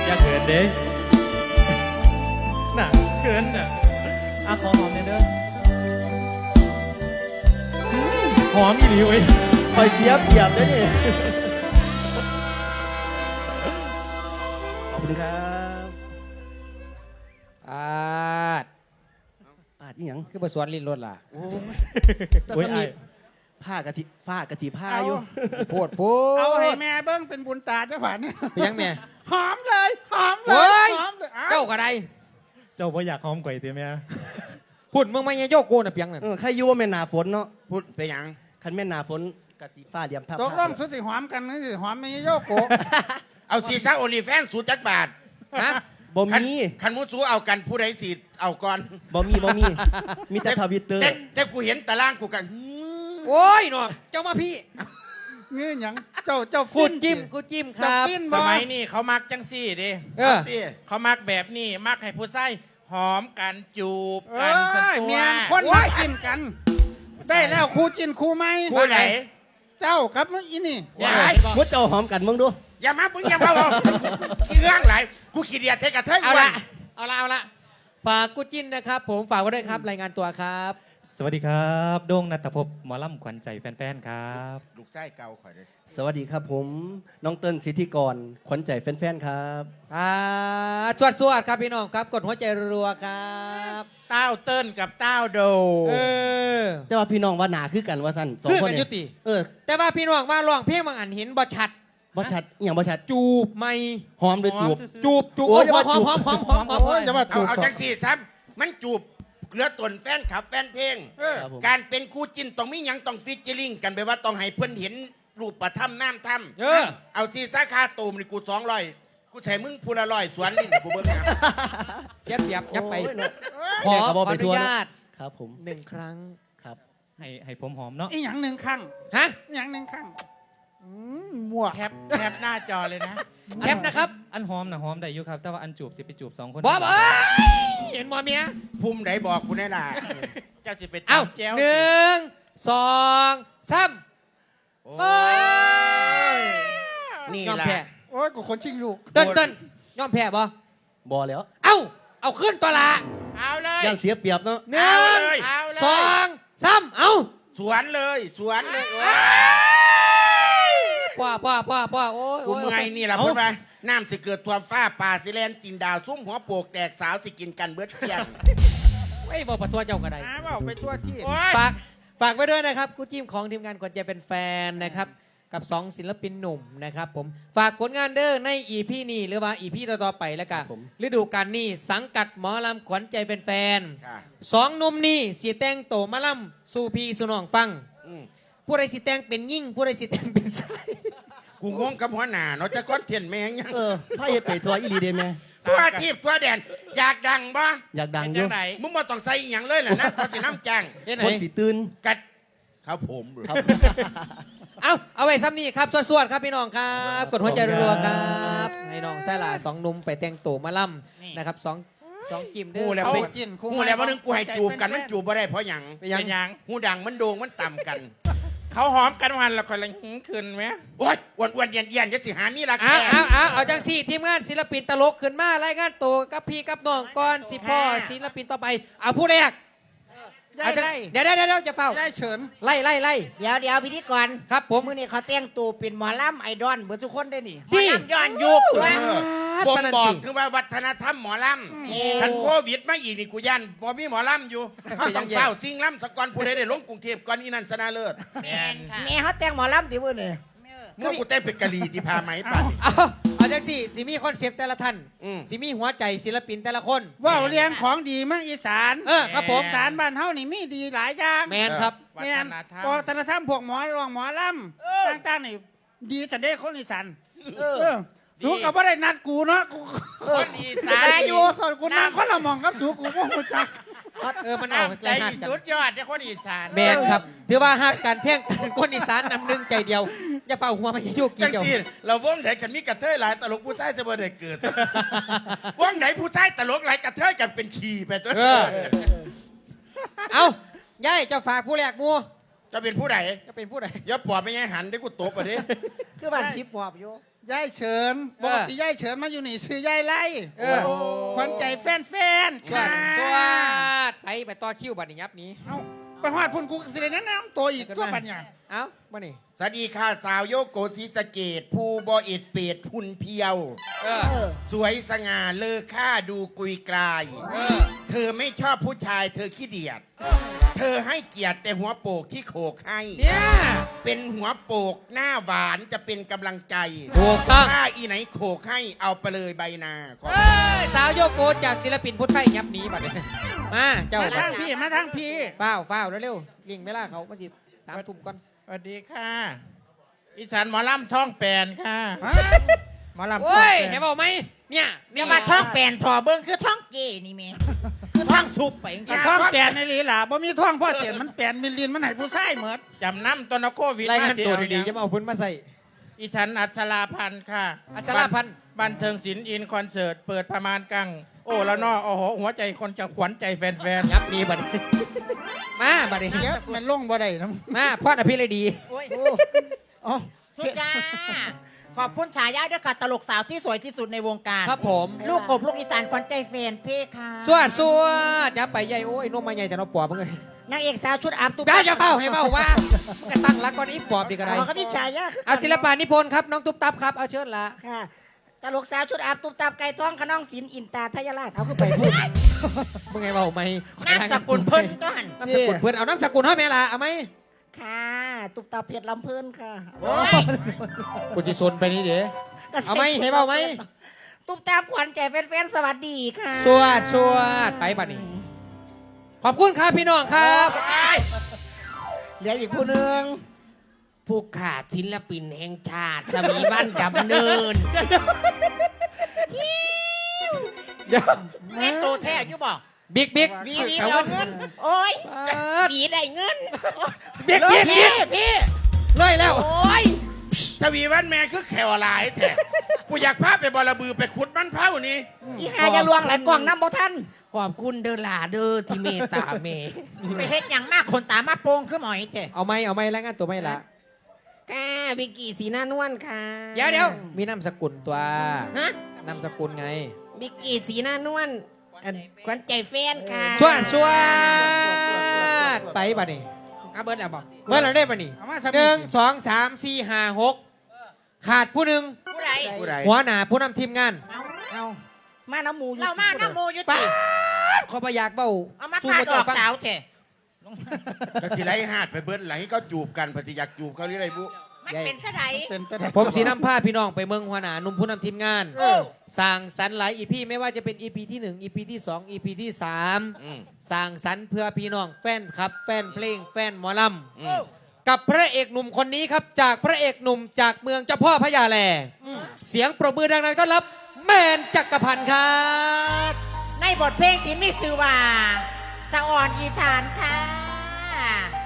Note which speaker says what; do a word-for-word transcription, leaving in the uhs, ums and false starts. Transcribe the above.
Speaker 1: อย่าเขินเด้น่ะเขินน่ะอ่ะขอหอมเนี่ยเด้อหอมอีหลีเว้ย
Speaker 2: คอยเสียเปรียบได้ดิขอบคุณครับ
Speaker 3: อาด
Speaker 2: อาดนี่ยัง
Speaker 3: คือบ่สวนลิ้นรถล่ะ
Speaker 2: โอ้ย
Speaker 1: โอ้ยไอ้
Speaker 2: ผ้ากะทิผ้ากะทิผ้าอยู่
Speaker 3: โพดโพด
Speaker 4: เอาให้แม่เบิ้งเป็นบุญตาเจ้าผ่านเนี่ย
Speaker 3: ไปยังแม่
Speaker 4: หอมเลยหอมเล
Speaker 3: เฮ้
Speaker 4: ย
Speaker 3: ย
Speaker 4: หอมเลยอ้าว
Speaker 3: เจ้ากระได
Speaker 1: เจ้าพ่อยากหอมก่อยเตี้ยแม่
Speaker 3: หุ่นมึงไม่ยังโยกโกนอ่ะเพียงนั่น
Speaker 2: เออใครอยู่ว่าแม่นาฝนเนาะ
Speaker 5: พูดไปหยัง
Speaker 2: คันแม่นาฝนกะทิฟ้าเดียมผ้า
Speaker 4: ตกลงสุดสิหอมกันนี่สิหอมไม่โยกโกะ
Speaker 5: เอาสีซักโอลีแฟนสูตรจักบาท
Speaker 3: ฮะ
Speaker 2: บ่
Speaker 5: คัน
Speaker 2: มี
Speaker 5: คันมุสูเอากันผู้ใดสีเอาก่อน
Speaker 2: บ่มีบ่มีมีแต่ทวิตเตอร์
Speaker 5: แต่แต่กูเห็นตารางกูกัน
Speaker 3: โอ้ยหนอเจ้ามาพี่
Speaker 4: นี่หยังเจ้าเจ้า
Speaker 3: กู
Speaker 4: ฟิน
Speaker 3: จิ้มกูจิ้มครับ
Speaker 4: เจ้าฟิน
Speaker 6: ส
Speaker 4: บ่
Speaker 6: มัยนี้เขามักจังซี่เดิ
Speaker 3: เออ
Speaker 5: นี่
Speaker 6: เขามักแบบนี้มักให้ผู้ใส่หอมกันจูบ
Speaker 4: เอ
Speaker 6: กันสั
Speaker 4: อ
Speaker 6: ตัว
Speaker 4: เมียนคนมากินกัน ได้แล้วครูจินครูไหม
Speaker 5: ผู้ใด
Speaker 4: เจ้าครับอีนี่
Speaker 6: อย่า
Speaker 2: มุดเจ้าหอมกันมึงดู
Speaker 5: อย่ามามึงอย่ามาบอกขี้เรื่องไหลายกูขี้เดียดเทกับเธอ
Speaker 3: เอา
Speaker 5: วัน
Speaker 3: ละเอาละเอาละฝากกูจิ้นนะครับ ผมฝากไว้ด้วยครับรายงานตัวครับ
Speaker 1: สวัสดีครับโด่งนัทภพหมอลำขวัญใจแฟนๆครับ
Speaker 5: ลูกไส้เก่าข่อยเลย
Speaker 2: สวัสดีครับผมน้องเติ้ลสิทธิกรขวัญใจแฟนๆครับ
Speaker 3: อ่าสวดสวดครับพี่น้องครับกดหัวใจรัวๆครับ
Speaker 6: เต้าเติ้นกับเต้าโด
Speaker 3: เออ
Speaker 2: แต่ว่าพี่น้องว่าหนาคือกันว่าสั้นสอง
Speaker 3: คือ
Speaker 2: คน
Speaker 3: กัน
Speaker 2: เนี่
Speaker 3: ยุติ
Speaker 2: เออ
Speaker 3: แต่ว่าพี่น้องว่าร้องเพลงบางอันเห็นบ่ชัด
Speaker 2: บ่ชัดอหย่างบ่ชัด
Speaker 3: จูบไม่
Speaker 2: หอมหรือจูบ
Speaker 3: จูบจูบ
Speaker 2: โอ้
Speaker 3: โอ้
Speaker 2: ย
Speaker 3: ย
Speaker 2: อย่ามา
Speaker 3: หอมหอมหอมหอมหอม
Speaker 4: โอ้ยจะมา
Speaker 5: เอา
Speaker 4: จูบ
Speaker 5: เอา
Speaker 4: ก่อ
Speaker 5: จั
Speaker 4: น
Speaker 5: งสี่ซ้ำมันจูบเหลือตนแฟนขับแฟนเพลง
Speaker 4: เออ
Speaker 2: ครับผม
Speaker 5: การเป็นคู่จิ้นต้องมีหยังต้องฟิชเจอริงกันไปว่าต้องให้เพื่อนเห็นรูปประทับน้ำถ้ำ
Speaker 3: เออ
Speaker 5: เอาซีซ่าคาตูมนี่กูสองร้อยกูใช้มึงพูละร้อยสวนนี่กูเบิ้งนะ
Speaker 3: เสียเปรียบยับไป
Speaker 2: โอ้ยเนอะ
Speaker 3: ขอ
Speaker 2: แม่ก็บอก
Speaker 3: ขอ
Speaker 2: ไป
Speaker 3: อ
Speaker 2: ทั่
Speaker 3: นุ
Speaker 2: วนะ
Speaker 3: ญาต
Speaker 2: ครับผม
Speaker 3: หนึ่งครั้ง
Speaker 2: ครับ
Speaker 1: ให้ให้ผมหอมเนาะ
Speaker 4: อีหยังหนึ่งข้าง
Speaker 3: ฮะ
Speaker 4: อีหยังหนึ่งข้างอืมมั่ว
Speaker 6: แคปแคปหน้าจอเลยนะ
Speaker 3: แคปนะครับ
Speaker 1: อันหอมนะหอมได้อยู่ครับ แต่ว่าอันจูบสิไปจูบสองคน
Speaker 3: บอบเอ้ยเห็นบอเมีย
Speaker 5: ภูมิไหนบอกกูแน่ล่ะ
Speaker 6: เจ้าสิไป
Speaker 3: เอ้า
Speaker 6: ตำแจ้ว
Speaker 3: หนึ่งสองสาม
Speaker 5: โอ้
Speaker 3: โอ้ย
Speaker 5: นี่
Speaker 3: ยอม
Speaker 5: ล่ะ
Speaker 3: แพ้
Speaker 4: โอ้ยกูคนชิงลูก
Speaker 3: เต้นเต้นยอมแพ้บ่
Speaker 2: บอแล้ว
Speaker 3: เอ้าเอาขึ้นตัวละ
Speaker 6: เอาเลย
Speaker 2: ย่านเสียเปรียบเนาะ
Speaker 3: หนึ่ง
Speaker 6: เอาเลย
Speaker 3: สองสามเอ้า
Speaker 5: สวนเลยสวนเลยโอ้ย
Speaker 3: ป้าป้าป้าป้าโอ้ย
Speaker 5: กู
Speaker 3: โอ้ย
Speaker 5: เมื่อยนี่ล่ะพูดไปน้ำสิเกิดท่วมฟ้าป่าสิแลนจินดาวซุ้มหัวโปกแตกสาวสิกินกันเบิดเที่ยง
Speaker 3: เฮ้ยบอกปะทัวเจ้ากันได
Speaker 4: หาว่าไปตัวที่
Speaker 6: โอ้ย
Speaker 3: ฝากฝากไว้ด้วยนะครับคู่จิ้มของทีมงานกดใจเป็นแฟนนะครับกับสองศิลปินหนุ่มนะครับผมฝากผลงานเด้อในอีพีนี้หรือว่าอีพีต่อๆไปแล้วกันฤดูกาลนี้สังกัดหมอลำขวัญใจเป็นแฟน
Speaker 5: ค่ะ
Speaker 3: สองหนุ่มนี่สีแตงโตมาล่ำสู่พีสุนองฟัง
Speaker 5: อืม
Speaker 3: ผู้ใดสีแตงเป็นยิ่งผู้ใดสีแตงเป็นชาย
Speaker 5: กูงงกับหัวหน้าเนาะจะก้อนเทียนแมงยัง
Speaker 2: เออผ้าเย็ดไปทัวร์อีหลีเดแม่
Speaker 5: ทั่วทิพย์ทั่วแดนอยากดังบ่
Speaker 2: อยากดัง
Speaker 6: เป็น
Speaker 2: อ
Speaker 6: จั
Speaker 2: ยู่
Speaker 6: งไหน
Speaker 5: มึงมาต้องใส่อหย่างเลยแหละนะเขาสิน้ำจัง
Speaker 3: เห็นไหน
Speaker 2: คนสีตื่น
Speaker 5: กัดครับผมเลย
Speaker 2: ครับ
Speaker 3: เอาเอาไว้ซ้ำนี่ครับสวดๆครับพี่น้องครับกดหัวใจรัวๆครับให้น้องไส้หลาสองหนุ่มไปแต่งโตมาล่ำนะครับสองสองกิมเด้
Speaker 5: กู
Speaker 3: อ
Speaker 5: แล้ว
Speaker 4: เอา
Speaker 5: ไป
Speaker 4: จินครู
Speaker 5: กูแล้วว่านึงกูให้จูบกันมันจูบบ่ได้เพราะหยัง
Speaker 3: ไปยัง
Speaker 6: เป็นหยัง
Speaker 5: หูดังมันโด่งมันต่ำกัน
Speaker 6: เขาหอมกันวันละคนละหึงคืนไหม
Speaker 5: โอ้ยอ้วนอ้วนเย็นเย็นจะสิหามีรัก
Speaker 3: เอา
Speaker 5: แท้
Speaker 3: เอาเอาเอาจังสี่ทีมงานศิลปินตลกขึ้นมารายงานตัวกับพี่กับน้องก่อนสิพ่อศิลปินต่อไปเอาผู้แรก
Speaker 4: ได้
Speaker 3: เอาจัง
Speaker 4: ได้
Speaker 3: เดี๋ยวเดี๋ยวเดี๋ยวจะเฝ้า
Speaker 4: ได้เฉิน
Speaker 3: ไล่ไล่ไล่
Speaker 7: เดี๋ยวเดี๋ยวพิธีกร
Speaker 3: ครับผม
Speaker 7: มื้อนี้เขาแต่งตัวเป็นหมอลำไอดอลเบิดทุกคนได้นี่หม
Speaker 3: ดี
Speaker 7: อลำย้อนยุคด้วย
Speaker 5: เออ
Speaker 3: ปาด
Speaker 5: บ่ง
Speaker 3: ปานนั้น
Speaker 5: บอก
Speaker 3: ติ
Speaker 5: ถึงว่าวัฒนธรรมหมอลำคันโควิดมาอีกนี่กูยันบ่มีหมอลำอยู่เขาต้องเฝ้าซิ่งลำสกอนผู้ใดได้ลงกรุงเทพก่อนอีนั่นชนะเลิศ
Speaker 6: แมน
Speaker 7: แม่เขาแต่งหมอลำติมื้อนี่
Speaker 5: เมื่อกูเต้นเป็นกะลีที่พาไหมป่ะ
Speaker 3: เอาเอาจังสี่สิมีคอนเซปต์แต่ละท่าน
Speaker 5: อืม
Speaker 3: สิมีหัวใจศิลปินแต่ละคน
Speaker 4: ว่าวเรียงของดีเมืองอีสาน
Speaker 3: เออครับผม
Speaker 4: อีสานบ้านเฮานี่มีดีหลายอย่าง
Speaker 3: แมนครับ
Speaker 6: วั
Speaker 4: แม่
Speaker 6: ฒ
Speaker 4: น
Speaker 6: นธรรม
Speaker 4: วัฒนธรรมพวกหมอรองหมอลำต่างๆนี่ดีจันได้คนอีสานเออสูกับว่าได้นัดกูเนาะกู
Speaker 6: คนอีสาน
Speaker 4: ได้อยู่กูนั่งคนละหมองกับสูกูก็หูจัก
Speaker 3: เออมันเอา
Speaker 6: น้ำใจ
Speaker 3: ใจหักกัน
Speaker 6: สุดยอดเจ้าคนอีสาน
Speaker 3: แมนครับถือว่าหักกันเพ่งกันคนอีสานนำหนึ่งใจเดียวอย่าเฝ้าหัวมันจะยุกกี่
Speaker 5: จัง
Speaker 3: เดียว
Speaker 5: สิเราวงไหนกันมีกระเทยหลายตลกผู้ชายจะบ่ได้เกิด วงไหนผู้ชายตลกหลายกระเทยกันเป็นขี่ไปตัว
Speaker 3: เออเอาย่ายเจะฝากผู้แรกมู
Speaker 5: จะเป็นผู้ใด
Speaker 3: จะเป็นผู้ใด
Speaker 5: อย่าปอบไม่ยังหันได้กูตบอ่ะดิ
Speaker 7: คือบ้านคลิปปอบอยู่
Speaker 4: ย่ายเฉินปกติย่ายเฉินมาอยู่นี่ซื้อย่ายไล่
Speaker 3: เออ
Speaker 4: ขวัญใจแฟนแฟนๆ
Speaker 3: สวั
Speaker 4: ค่ะ
Speaker 3: สดีสวัสดีไปไปต่อคิวบัดนี้ยับนี้
Speaker 4: เอาไปหอดพุ่นกูก็สิได้แนะนำตัวอีกตัวบัดเนี่ย
Speaker 3: เอ้ามานี่
Speaker 5: สวัสดีค่ะสาวโยโกศรีสะเกดภูบอเอ็ดเป็ดหุ่นเพียว
Speaker 3: เออ
Speaker 5: สวยสง่าเลอค่าดูกุยกลาย
Speaker 3: เออ
Speaker 5: เธอไม่ชอบผู้ชายเธอขี้เดียด เธอให้เกียรติแต่หัวโปกที่โขกให้
Speaker 3: เนี่ย
Speaker 5: เป็นหัวโปกหน้าหวานจะเป็นกำลังใจ
Speaker 3: ถูกต้อง
Speaker 5: ถ้าอีไหนโขกให้เอาไปเลยใบนาขอบ
Speaker 3: เอ้ยสาวโยโกะจากศิลปินพุทธไทยยับหนี้บัดนี้มาเจ้า
Speaker 4: มา
Speaker 3: บัด
Speaker 4: ทางพี่มาทางพี่
Speaker 3: ฟ้าวฟ้าวเร็วๆลิงเวลาเขามาสิสามทุ่มก่อน
Speaker 6: สวัสดีค่ะ อีสานหมอลำท้องแปลนค่ะ
Speaker 4: ฮะ
Speaker 6: หมอลำท้อง
Speaker 3: โอ้ย
Speaker 6: แปล
Speaker 3: เห็น
Speaker 6: น
Speaker 3: บอกไหมเนี่ย
Speaker 7: เดี๋ยวมาท้องแปลนถอเบิ้งคือท้องเกนี่แม่คือท้องซุปไปจัง
Speaker 4: กระ
Speaker 7: ซี่
Speaker 4: ท่อมแปลนในลีล่ะบ่มีท่องพ่อเสียนมันแปลนมิลลินมันให้ผู้ชายเหมือด
Speaker 6: จำน้ำต้นโควิด
Speaker 3: รายงาน
Speaker 6: สิ
Speaker 3: ตัว
Speaker 6: เอ
Speaker 3: ดี
Speaker 6: ห
Speaker 3: ๆจะมาเอาพื้นมาใส่
Speaker 6: อีฉันอัชราพันธ์ค่ะ
Speaker 3: อัชราพันธ์
Speaker 6: บันเทิงศิลป์อินคอนเสิร์ต เปิดประมาณกัง โอ้แล้วนอโอ้โหหัวใจคนจะขวัญใจแฟน
Speaker 3: ยับหนี้บัดนี้มาบัดนี้
Speaker 4: เดี๋ยวมันลงบ่ได้นะ
Speaker 3: มาพอดอภิรดี
Speaker 7: โอ้ยโอ้สุดจ้าขอบคุณฉายาด้วยค่ะตลกสาวที่สวยที่สุดในวงการ
Speaker 3: ครับผม
Speaker 7: ลูกกบลูกอีสานขวัญใจแฟนเพค่ะ
Speaker 3: สวัสดีสวัสดียับไปใหญ่โอ้ยนมมาใหญ่แต่นปอบมึงเลย
Speaker 7: นางเอกสาวชุดอาบตุ๊บ
Speaker 3: ได้จะเฝ้าให้เฝ้าว่ามึงก็ตั้งรักก่อนนี้ปอบดีกระไร
Speaker 7: เขาก็มีฉายาคือ
Speaker 3: เอาศิลปะนิพนธ์ครับน้องตุ๊บตับครับเอาเชิญละ
Speaker 7: ค่ะตลกสาวชุดอาบตุ๊บตับไก่ท้องขน้องศิลป์อินตาทยราชเอาขึ้นไปพูด
Speaker 3: มึงไงเฝ้าไหม
Speaker 7: นามสกุลเพิ่นก่อน
Speaker 3: นามสกุลเพิ่นเอานามสกุลให้แม่ละเอาไหม
Speaker 7: ค่ะ ตุ๊บตับเพชรลำเพิ่นค่ะ
Speaker 3: กูจะซนไปนี่เดี๋ยวเอาไหมให้เฝ้าไหม
Speaker 7: ตุ๊บตับขวัญใจแฟนๆสวัสดีค่ะ
Speaker 3: สวัสดีสวัสดีไปบัดนี้ขอบคุณครับพี่น้องครับ
Speaker 7: เหลืออีกผู้หนึ่ง
Speaker 8: ผู้ขาดศิลปินแห่งชาติจะมีบ้านดำเนิน
Speaker 3: เดี๋ยว
Speaker 7: แม่โตแท้อยู่บอก
Speaker 3: บิ๊กบิ๊ก
Speaker 7: วีวีเอาเงิน โอ้ย
Speaker 8: ผีได้เงิน
Speaker 3: บิ๊กบิ๊กบิ๊ก
Speaker 7: พี่
Speaker 3: เลยแล้ว
Speaker 7: โอ้ย
Speaker 5: ทวีวันแม่คือแขวหลายแท้กูอยากพาไปบอระบือไปขุดมันเผานี่
Speaker 7: อีหาอย่าลวงหลายกล่องน้ำบ่ท่าน
Speaker 8: ขอบคุณเดอหลาเดอที่เมตตาเม
Speaker 7: ไปเฮ็ดอย่างมากคนตามาโปรงคือหมอยเจ้
Speaker 3: เอาไหมเอาไหมรายงานตัวไหมละ
Speaker 8: ค่ะวิกกี้สีหน้านวลค่ะ
Speaker 3: เดี๋ยวเดี๋ยวมีนามสกุลตัว
Speaker 8: ฮะ
Speaker 3: นามสกุลไง
Speaker 8: วิกกี้สีหน้านวลอันขวัญใจแฟนค่ะ
Speaker 3: สวัสดีสวัสดีไปบัดนี้
Speaker 8: เอาเบิร์ดแล้วบอก
Speaker 3: เมื่อเราได้บัดนี้
Speaker 4: เอามาสัก
Speaker 3: หนึ่งสองสามสี่ห้าหกขาดผู้หนึ่ง
Speaker 7: ผู้ใด
Speaker 5: ผู้ใด
Speaker 3: หัวหน้าผู้นำทีมงาน
Speaker 7: เอาเอามาน้ำหมูอยู่เรามาน้ำหมูอยู่
Speaker 3: ป้า
Speaker 7: ติ
Speaker 3: ดขอประยากเบ้า
Speaker 7: เอามา
Speaker 3: สู้
Speaker 7: พา
Speaker 3: บ่
Speaker 7: ด
Speaker 3: ต้
Speaker 7: อ
Speaker 3: อง
Speaker 7: ก
Speaker 3: ฟัง
Speaker 7: สาวเจ้
Speaker 5: ก็สิไล่หาดไปเบิ้ลไหลก็จูบกันปฏิอยากจูบเขาเรียกอะไรบุ
Speaker 7: มันเป็นเท่าไหร่
Speaker 4: เป็นตัวไหน
Speaker 3: ผมสีน้ำผ้าพี่น้องไปเมืองหัวหน้าหนุ่มผู้นำทีมงาน
Speaker 7: เออ
Speaker 3: สร้างสรรค์หลายอีพีไม่ว่าจะเป็นอีพีที่หนึ่งอีพีที่สองอีพีที่สาม
Speaker 5: อืม
Speaker 3: สร้างสรรค์เพื่อพี่น้องแฟนครับ แฟนเพลงแฟนหมอล
Speaker 5: อืม
Speaker 3: ำกับพระเอกหนุ่มคนนี้ครับ จากพระเอกหนุ่มจากเมืองเจ้าพ่อพระยาแลเสียงปรบมือดังๆก็รับแมนจักรพันธ์ครับ
Speaker 7: ในบทเพลงที่มีชื่อว่าสะอ่อนอีสานค่ะ